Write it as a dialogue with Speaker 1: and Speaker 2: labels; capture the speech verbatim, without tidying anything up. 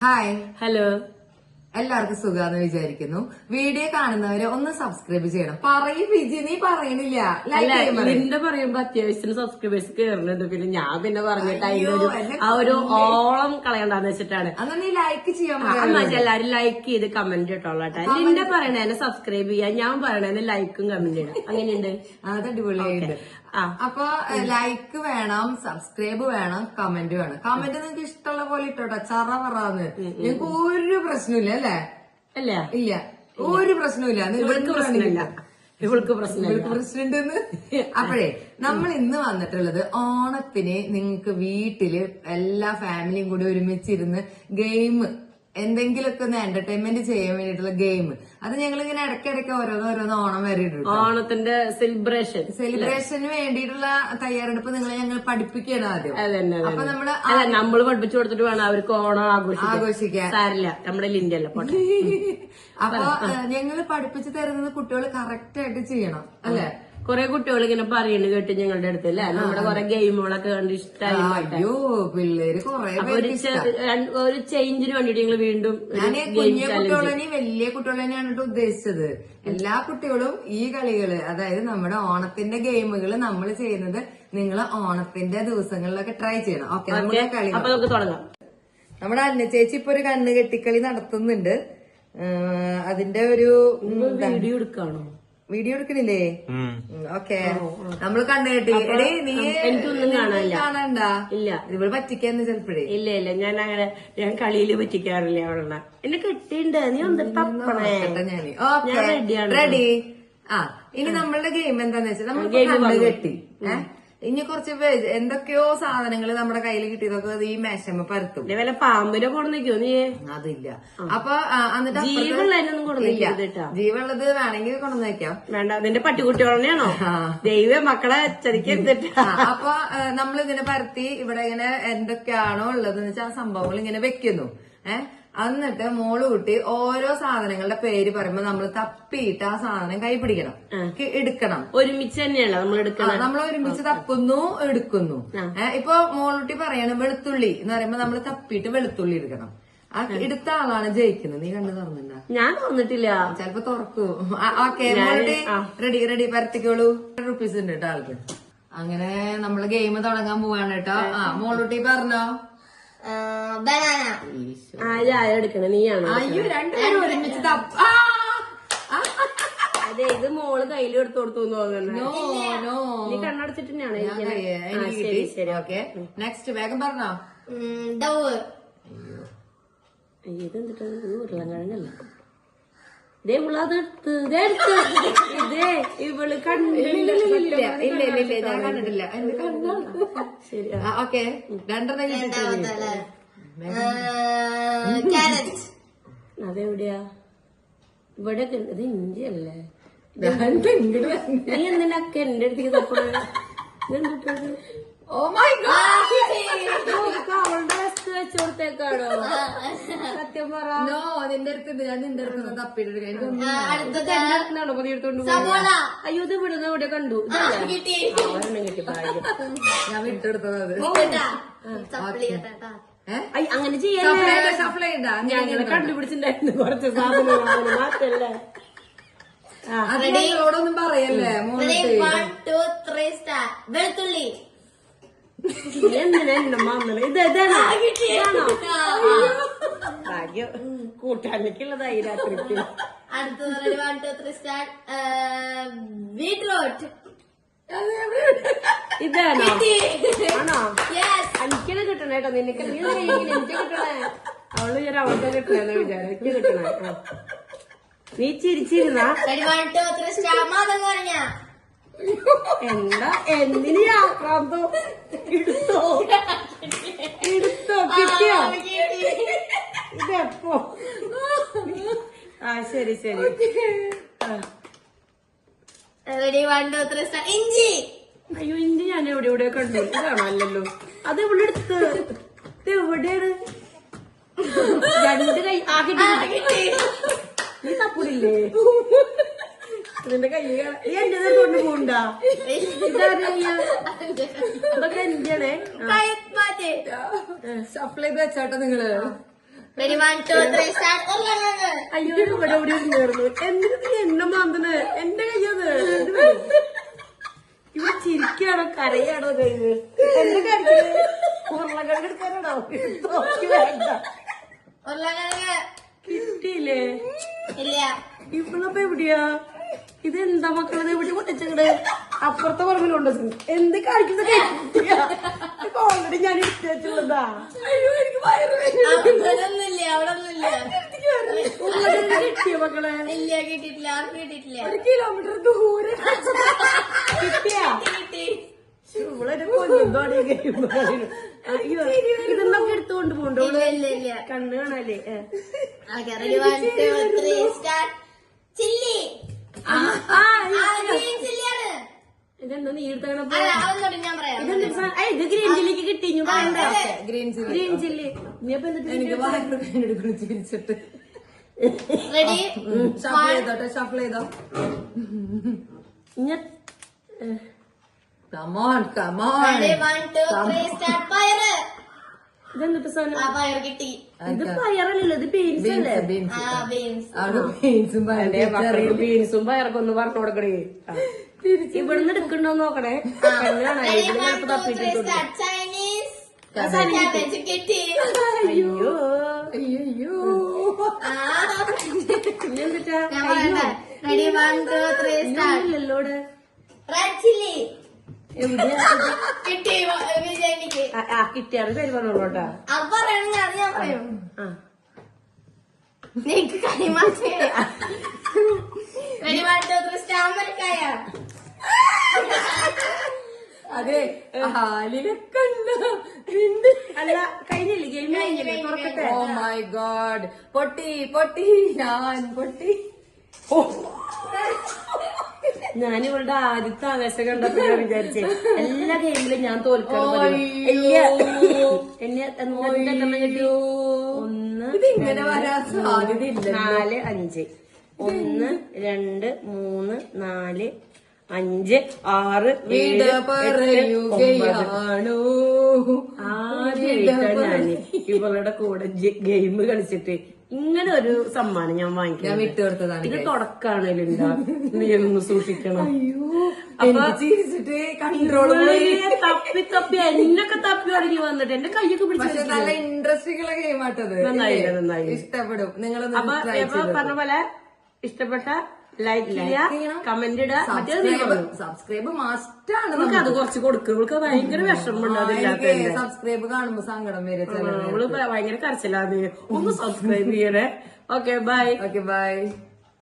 Speaker 1: Hi,
Speaker 2: hello.
Speaker 1: എല്ലാവർക്കും സുഖാന്ന് വിചാരിക്കുന്നു. Video കാണുന്നവരെ ഒന്ന് സബ്സ്ക്രൈബ് ചെയ്യണം. പറയും വിജി, നീ പറയണില്ല.
Speaker 2: അല്ല, എന്റെ പറയുമ്പോ അത്യാവശ്യത്തിന് സബ്സ്ക്രൈബേഴ്സ് കേറുന്നുണ്ട്. പിന്നെ ഞാൻ പിന്നെ പറഞ്ഞിട്ട് അതിന്റെ ഒരു ആ ഒരു ഓളം കളയണ്ടെന്ന് വെച്ചിട്ടാണ്.
Speaker 1: അന്ന് നീ ലൈക്ക് ചെയ്യാൻ
Speaker 2: എന്നാ എല്ലാരും ലൈക്ക് ചെയ്ത് കമന്റ് ഇട്ടോളട്ടെ. നിന്റെ പറയണേനെ സബ്സ്ക്രൈബ് ചെയ്യാൻ, ഞാൻ പറയണേനെ ലൈക്കും കമന്റ് ഇടാം. അങ്ങനെയുണ്ട്.
Speaker 1: അത് അടിപൊളിയായിട്ട്. അപ്പൊ ലൈക്ക് വേണം, സബ്സ്ക്രൈബ് വേണം, കമന്റ് വേണം. കമന്റ് നിങ്ങൾക്ക് ഇഷ്ടമുള്ള പോലെ ഇട്ടോട്ടെ, ചറ പറന്ന്. നിങ്ങൾക്ക് ഒരു പ്രശ്നമില്ല അല്ലേ?
Speaker 2: അല്ല,
Speaker 1: ഇല്ല, ഒരു പ്രശ്നമില്ല.
Speaker 2: ഇവൾക്ക് പ്രശ്നമില്ല, ഇവൾക്ക് പ്രശ്നമില്ല,
Speaker 1: പ്രശ്നമുണ്ടെന്ന്. അപ്പോഴേ നമ്മൾ ഇന്ന് വന്നിട്ടുള്ളത് ഓണത്തിന് നിങ്ങൾക്ക് വീട്ടില് എല്ലാ ഫാമിലിയും കൂടി ഒരുമിച്ചിരുന്ന് ഗെയിം, എന്തെങ്കിലുമൊക്കെ ഒന്ന് എന്റർടൈൻമെന്റ് ചെയ്യാൻ വേണ്ടിയിട്ടുള്ള ഗെയിം. അത് ഞങ്ങൾ ഇങ്ങനെ ഇടയ്ക്കിടയ്ക്ക് ഓരോന്ന് ഓരോന്ന് ഓണം വരെ ഇടും.
Speaker 2: ഓണത്തിന്റെ സെലിബ്രേഷൻ
Speaker 1: സെലിബ്രേഷന് വേണ്ടിയിട്ടുള്ള തയ്യാറെടുപ്പ് നിങ്ങളെ ഞങ്ങൾ പഠിപ്പിക്കുകയാണ് ആദ്യം.
Speaker 2: അപ്പൊ നമ്മള് അല്ല നമ്മള് പഠിപ്പിച്ചു കൊടുത്തിട്ട് വേണം അവർക്ക് ഓണം ആഘോഷിക്കാൻ. സാരില്ല, നമ്മുടെ ലിന്റല്ല പോട്ടെ.
Speaker 1: അപ്പൊ ഞങ്ങള് പഠിപ്പിച്ചു തരുന്നത് കുട്ടികൾ കറക്റ്റ് ആയിട്ട് ചെയ്യണം അല്ലെ?
Speaker 2: കൊറേ കുട്ടികൾ ഇങ്ങനെ പറയുന്നത് കേട്ട് ഞങ്ങളുടെ അടുത്ത് അല്ലെ, നമ്മുടെ കൊറേ ഗെയിമുകളൊക്കെ കണ്ട് ഇഷ്ടമായി.
Speaker 1: അയ്യോ, പിള്ളേര് കൊറേ
Speaker 2: ഒരു ചേഞ്ചിന് വേണ്ടിട്ട് ഞങ്ങൾ വീണ്ടും
Speaker 1: ഞാൻ കുഞ്ഞു കുട്ടികളെ വലിയ കുട്ടികളെയാണ് ഉദ്ദേശിച്ചത്. എല്ലാ കുട്ടികളും ഈ കളികള്, അതായത് നമ്മുടെ ഓണത്തിന്റെ ഗെയിമുകൾ നമ്മൾ ചെയ്യുന്നത് നിങ്ങൾ ഓണത്തിന്റെ ദിവസങ്ങളിലൊക്കെ ട്രൈ ചെയ്യണം. ഓക്കെ, നമ്മുടെ കളി
Speaker 2: അപ്പൊ നമുക്ക് തുടങ്ങാം.
Speaker 1: നമ്മുടെ അന്ന ചേച്ചി ഇപ്പൊ ഒരു കണ്ണ് കെട്ടിക്കളി നടത്തുന്നുണ്ട്. അതിന്റെ ഒരു
Speaker 2: വീഡിയോ എടുക്കാണോ?
Speaker 1: വീഡിയോ എടുക്കണില്ലേ? ഓക്കെ, നമ്മള് കണ്ണു കെട്ടി. എടേ, നീ
Speaker 2: എനിക്കൊന്നും കാണാനില്ല.
Speaker 1: കാണണ്ട.
Speaker 2: ഇല്ല,
Speaker 1: ഇവള് പറ്റിക്കാന്ന് ചിലപ്പോഴേ.
Speaker 2: ഇല്ല ഇല്ല, ഞാൻ അങ്ങനെ ഞാൻ കളിയില് പറ്റിക്കാറില്ല. അവളെ എന്നെ കെട്ടിണ്ട്, നീ ഒന്ന് തപ്പണേ.
Speaker 1: ഞാന് ഓക്കെ, റെഡി. ആ, ഇനി നമ്മളുടെ ഗെയിം എന്താന്ന് വെച്ചാൽ നമ്മൾ കണ്ണ് കെട്ടി. ഏഹ് ഇനി കുറച്ച് എന്തൊക്കെയോ സാധനങ്ങൾ നമ്മുടെ കയ്യിൽ കിട്ടിയതൊക്കെ ഈ മേശമ്മ പരത്തും.
Speaker 2: വല്ല പാമ്പിനെ കൊണ്ടുവന്നിക്കോ നീ?
Speaker 1: അതില്ല. അപ്പൊ എന്നിട്ട്
Speaker 2: ജീവുള്ളതിനൊന്നും കൊണ്ടുവന്നില്ല.
Speaker 1: ജീവുള്ളത് വേണമെങ്കിൽ കൊണ്ടുവന്ന് വെക്കാം.
Speaker 2: വേണ്ട, നിന്റെ പട്ടിക്കുട്ടികളെയാണോ? ദൈവ മക്കളെ ചതിക്കരുതിട്ട.
Speaker 1: അപ്പൊ നമ്മൾ ഇങ്ങനെ പരത്തി ഇവിടെ ഇങ്ങനെ എന്തൊക്കെയാണോ ഉള്ളതെന്ന് വെച്ചാൽ ആ സംഭവങ്ങൾ ഇങ്ങനെ വെക്കുന്നു. ഏഹ് എന്നിട്ട് മോള് കുട്ടി ഓരോ സാധനങ്ങളുടെ പേര് പറയുമ്പോ നമ്മൾ തപ്പിയിട്ട് ആ സാധനം കൈ പിടിക്കണം, എടുക്കണം.
Speaker 2: ഒരുമിച്ച് തന്നെയാണ് നമ്മൾ എടുക്കണം.
Speaker 1: നമ്മൾ ഒരുമിച്ച് തപ്പുന്നു, എടുക്കുന്നു. ഇപ്പൊ മോളുട്ടി പറയാണ് വെളുത്തുള്ളി എന്ന് പറയുമ്പോ നമ്മൾ തപ്പിയിട്ട് വെളുത്തുള്ളി എടുക്കണം. ആ എടുത്ത ആളാണ് ജയിക്കുന്നത്. നീ കണ്ടു തുറന്നിട്ടുണ്ടോ?
Speaker 2: ഞാൻ തുറന്നിട്ടില്ല.
Speaker 1: ചിലപ്പോ തുറക്കൂ. ഓക്കെ, മോളുട്ടി റെഡി റെഡി പരത്തിക്കോളൂ. റുപ്പീസ് ഉണ്ട് കേട്ടോ ആൾക്ക്. അങ്ങനെ നമ്മള് ഗെയിം തുടങ്ങാൻ പോവാണ് കേട്ടോ. ആ, മോളുട്ടി പറഞ്ഞോ.
Speaker 2: ആരാ എടുക്കണേ? നീയാണോ?
Speaker 1: അയ്യോ, രണ്ടുപേരും ഒരുമിച്ച്
Speaker 2: അതെ, ഇത് മോള് കയ്യിൽ എടുത്തു കൊടുത്തു തോന്നുന്നു. നീ കണ്ണടച്ചിട്ട് തന്നെയാണ്.
Speaker 1: നെക്സ്റ്റ് വേഗം പറഞ്ഞോ.
Speaker 2: ഇതെന്തിട്ടാ? ഉരുളൻകിഴങ്ങല്ല. ഇതേ ഉള്ളതെടുത്ത് ഇതേ ഇവള് കണ്ടില്ല.
Speaker 1: ഞാൻ കണ്ടിട്ടില്ല.
Speaker 2: ശരി,
Speaker 1: ഓക്കെ, രണ്ടെണ്ണം.
Speaker 2: അതെവിടെയാ? ഇവിടെ ഇത് ഇഞ്ചി അല്ലേ? നീ എന്തിനൊക്കെ എന്റെ അടുത്തേക്ക് തപ്പണേ? ഇതെന്തിട്ടത്?
Speaker 1: ഓ മൈ ഗോഡ്,
Speaker 2: അവളുടെ വസ്തു വെച്ചു കൊടുത്തേക്കാണോ? സത്യം പറ.
Speaker 1: നോ, നിന്റെ അടുത്തുണ്ട്. ഞാൻ നിന്റെ അടുത്ത് തപ്പിട്ട്
Speaker 2: എടുത്തോണ്ട് അയ്യോ, ഇത് വിടുന്ന ഇവിടെ കണ്ടു. ഒരെണ്ണം കിട്ടി.
Speaker 1: ഞാൻ വിട്ടെടുത്തത് അത്.
Speaker 2: അങ്ങനെ ചെയ്യാൻ ഞങ്ങളെ കണ്ടുപിടിച്ചിട്ടുണ്ടായിരുന്നു കുറച്ച് സാധനങ്ങൾ. മാറ്റല്ലേ?
Speaker 1: അതിനോടൊന്നും പറയല്ലേ
Speaker 3: വെളുത്തുള്ളി.
Speaker 2: എന്തിനാ എന്റെ മാമല? ഇത് ഇതാണോ? ഭാഗ്യം, കൂട്ടാനൊക്കെയുള്ളതായി രാത്രിക്ക്.
Speaker 3: അടുത്തത് one two three start. Beetroot.
Speaker 2: ഇതാണോ? ആണോ? എനിക്കത് കിട്ടണേ കേട്ടോ. നിനക്ക് എനിക്ക് കിട്ടണേ. അവള് ഞാൻ അവൾക്ക് കിട്ടണെന്ന് വിചാരം. എനിക്ക് കിട്ടണേ. നീ ചിരിച്ചിരുന്നാ എന്താ? എന്തിനു ആക്രാന്തോ? എടുത്തോ എടുത്തോ കിട്ടിയോ? ഇതെപ്പോ? ആ, ശരി ശരി.
Speaker 3: ഇഞ്ചി.
Speaker 2: അയ്യോ, ഇഞ്ചി ഞാൻ എവിടെ എവിടെ കണ്ടു. ഇതാണോ? അല്ലല്ലോ, അത് ഇവിടെ എടുത്ത്. ഇത് എവിടെയാണ്? രണ്ട് കൈ ആക്കിട്ട് നീ തപ്പൂരില്ലേ? നിന്റെ കൈ നീ എന്റെ കൊണ്ട് പോണ്ടാ? ഇതൊക്കെ എന്റെയാണേ.
Speaker 1: സപ്ലൈ വെച്ചാട്ടോ നിങ്ങള്.
Speaker 3: Ready one two three start ഉരുളക്കിഴങ്ങ്
Speaker 2: അയ്യോ ഇവിടെ എവിടെ ഇരുന്നായിരുന്നു എന്തിനു നീ എന്നെ മാന്തണ് എന്റെ കയ്യത് ഇവിടെ ചിരിക്കാണോ കരയാണോ കയ്യില് എന്റെ കരച്ചില് ഉരുളക്കിഴങ്ങ് എടുക്കാനാണോ നോക്കി വേണ്ട
Speaker 3: ഉരുളക്കിഴങ്ങ്
Speaker 2: കിട്ടിയില്ലേ
Speaker 3: ഇല്ല
Speaker 2: ഇവളിപ്പോ എവിടെയാ ഇതെന്താ മക്കളത് എവിടെ കൊണ്ടിച്ചങ്ങട് അപ്പുറത്തെ പറമ്പിലുണ്ടോ എന്ത് കാണിക്കുന്നത് ഓൾറെഡി ഞാൻ ഇഷ്ടതാ അയ്യോ എനിക്ക് വയറ്
Speaker 3: അവിടെ ഒന്നുമില്ല അവിടെ ഒന്നുമില്ല
Speaker 2: ഉരുളക്കിഴങ്ങ് കിട്ടിയ മക്കളെ
Speaker 3: ഇല്ല കിട്ടിയിട്ടില്ല ആർക്കും കിട്ടിയിട്ടില്ല
Speaker 2: ഒരു കിലോമീറ്റർ ദൂരെ കിട്ടിയാ
Speaker 3: കിട്ടി
Speaker 2: ഇവളൊരു കൊല്ലുമ്പോഴാണ് ഇതെന്നൊക്കെ എടുത്തുകൊണ്ട് പോണ്ടോ
Speaker 3: ഇല്ല ഇല്ല ഇല്ല
Speaker 2: കണ്ണ് കാണാല്ലേ
Speaker 3: okay ready one two three start chilli green ചില്ലിയാണ്
Speaker 2: ഇതെന്താ നീ എടുത്തപ്പോ
Speaker 3: അല്ല അതൊന്നും ഞാൻ പറയാം
Speaker 2: ഇത് ഗ്രീൻ ചില്ലിക്ക് കിട്ടി ഇനി പറയണ്ട
Speaker 1: ഗ്രീൻ ചില്ലി
Speaker 2: ഗ്രീൻ ചില്ലി നീ അപ്പൊ എന്നിട്ട്
Speaker 1: എനിക്ക് വയറ് വേദന എടുക്കണം ചിരിച്ചിട്ട്
Speaker 3: റെഡി
Speaker 1: ഷഫിൾ ചെയ്തോട്ടെ ഷഫിൾ ചെയ്തോ
Speaker 2: ഇഞ്ഞ
Speaker 1: come on come on
Speaker 3: ready one two three start പയറ്
Speaker 2: ഇതെന്നിട്ട് സാധനം
Speaker 3: ആ പയർ കിട്ടി
Speaker 2: ഇത് പയറല്ലല്ലോ ഇത് ബീൻസ് അല്ലേ
Speaker 1: ബീൻസ്
Speaker 3: ആ ബീൻസ്
Speaker 1: അവിടെ ബീൻസും
Speaker 2: ബീൻസും പയറൊക്കെ ഒന്ന് പറഞ്ഞു കൊടുക്കണേ ഇവിടുന്ന് എടുക്കണ്ടോ നോക്കണേ കണ്ണാണ്
Speaker 3: റെഡി
Speaker 2: ഇവിടെ
Speaker 3: വൺ
Speaker 2: ചിലപ്പോ
Speaker 3: ടു ത്രീ
Speaker 2: തപ്പിട്ടുണ്ട്
Speaker 3: സ്റ്റാർട്ട് ചൈനീസ് ക്യാബേജ് കിട്ടി
Speaker 2: അയ്യോ
Speaker 1: അയ്യോ
Speaker 3: ആ
Speaker 2: ഇന്നെന്തിട്ടാ
Speaker 3: ഞാൻ പറയട്ടെ ready one two three start
Speaker 2: ഇല്ലല്ലോ ഇവിടെ
Speaker 3: റെഡ് ചില്ലി
Speaker 2: എവിടെയാ
Speaker 3: കിട്ടി വിജയനിക്ക്
Speaker 2: ആ, ആ കിട്ടിയാണ് പേര് പറഞ്ഞോളൂട്ടാ
Speaker 3: അത് പറയണെങ്കിൽ അത് ഞാൻ പറയും
Speaker 2: ആ
Speaker 3: നിനക്ക് കൈമാറ്റേ റെഡി വൺ ടു ത്രീ സ്റ്റാമ്പരിക്കായ
Speaker 1: അതെ ഹാലിലൊക്കെ
Speaker 2: അല്ല കഴിഞ്ഞില്ലേ ഗെയിം കഴിഞ്ഞില്ലേ തുറക്കട്ടെ
Speaker 1: ഓ മൈ ഗോഡ് പൊട്ടി പൊട്ടി ഞാൻ പൊട്ടി
Speaker 2: ഞാൻ ഇവളുടെ ആദ്യത്തെ ആവേശം കണ്ടപ്പോ ഞാൻ വിചാരിച്ചേ എല്ലാ ഗെയിമിലും ഞാൻ തോൽക്കണം ഇല്ല എന്നെ എന്തെണ്ണം കിട്ടി ഒന്ന്
Speaker 1: ഇതിങ്ങനെ വരാൻ സാധ്യതയില്ല
Speaker 2: നാല് അഞ്ച് ഒന്ന് രണ്ട് മൂന്ന് നാല് അഞ്ച് ആറ്
Speaker 1: വിട
Speaker 2: ഏഴ്
Speaker 1: പറയുകയാണോ
Speaker 2: ആദ്യമായിട്ടാണ് ഞാന് ഇവളുടെ കൂടെ ഗെയിം കളിച്ചിട്ട് ഇങ്ങനെ ഒരു സമ്മാനം ഞാൻ
Speaker 1: ഞാൻ
Speaker 2: വാങ്ങിക്കാം
Speaker 1: വിട്ടുകൊടുത്തതാണ്
Speaker 2: ഇത് തുടക്കാണ് ലിൻഡ നീ ഒന്ന് സൂക്ഷിക്കണം
Speaker 1: എനിക്ക് ചിരിച്ചിട്ട് കൺട്രോൾ
Speaker 2: ഇവള് തപ്പി തപ്പി എന്നൊക്കെ തപ്പി തുടങ്ങി വന്നിട്ട് എന്റെ കൈയൊക്കെ
Speaker 1: പക്ഷെ
Speaker 2: പിടിച്ചു
Speaker 1: നല്ല ഇൻട്രസ്റ്റിംഗ് ഉള്ള ഗെയിം ആട്ടത്
Speaker 2: നന്നായില്ല നന്നായി
Speaker 1: ഇഷ്ടപ്പെടും
Speaker 2: അപ്പൊ
Speaker 1: നിങ്ങളൊന്ന്
Speaker 2: ഇപ്പൊ പറഞ്ഞ പോലെ ഇഷ്ടപ്പെട്ട ലൈക്ക് ചെയ്യുക കമന്റ് ഇടുക മറ്റേത് നീ പറഞ്ഞു
Speaker 1: സബ്സ്ക്രൈബ് മസ്റ്റ് ആണ്
Speaker 2: നമുക്ക് അത് കുറച്ച് കൊടുക്കും ഇവൾക്ക് ഭയങ്കര വിഷമമുണ്ട് അതില്ലാത്ത
Speaker 1: സബ്സ്ക്രൈബ് കാണുമ്പോ സങ്കടം വരെ
Speaker 2: അവള് ഭയങ്കര കരച്ചില്ലാതെ ഒന്ന് സബ്സ്ക്രൈബ് ചെയ്യണേ ഓക്കെ ബൈ
Speaker 1: ഓക്കെ ബൈ